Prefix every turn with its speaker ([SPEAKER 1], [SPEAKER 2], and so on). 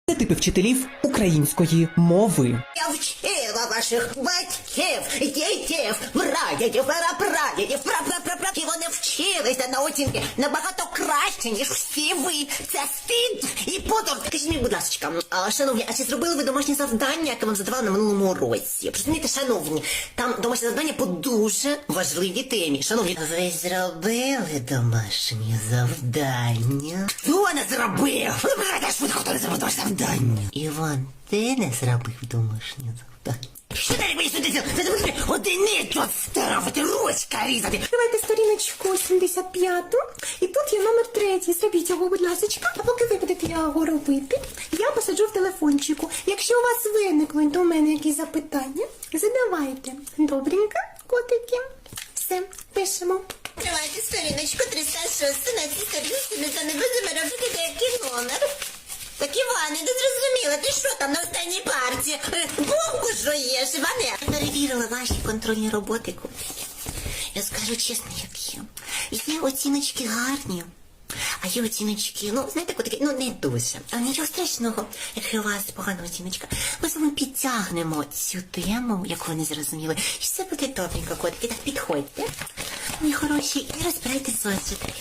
[SPEAKER 1] Типи вчителів української мови.
[SPEAKER 2] Я вчила ваших батьків, дітів, прадідів, прапрадідів, і вони вчилися на оцінки набагато краще, ніж всі ви. Це стид і подор. Скажіть мені, будь ласка, шановні, а чи зробили ви домашнє завдання, яке вам задавали на минулому році? Розумієте, шановні, там домашнє завдання по дуже важливій темі. Шановні, ви зробили домашнє завдання? Хто не зробив? Ви знаєте, швидко, хто не зробив домашнє завдання? Іван, ти не зробив домашнє завдання? Що далі мені сюди? Це одиницю ставити, ручка різати.
[SPEAKER 3] Відкривайте сторіночку 75 і тут є номер 3. Зробіть його, будь ласочка. А поки ви будете його робити, я посаджу в телефончику. Якщо у вас виникнуть до мене якісь запитання, задавайте. Добренько, котики. Все, пишемо.
[SPEAKER 2] Відкривайте сторіночку 306, на цій сторінці не будемо робити деякий номер. Так, Іване, не зрозуміла, ти що там на останній парті? Бомбу жуєш, Іване? Перевірила ваші контрольні роботи, котики. Я скажу чесно, як є. Є оціночки гарні, а є оціночки, ну, знаєте, котики, ну, не дуже. А нічого страшного, якщо у вас погана оціночка. Ми з вами підтягнемо цю тему, яку ви не зрозуміли. І все буде добренько, котики, так підходьте. Мої хороші, і розбирайте зошити.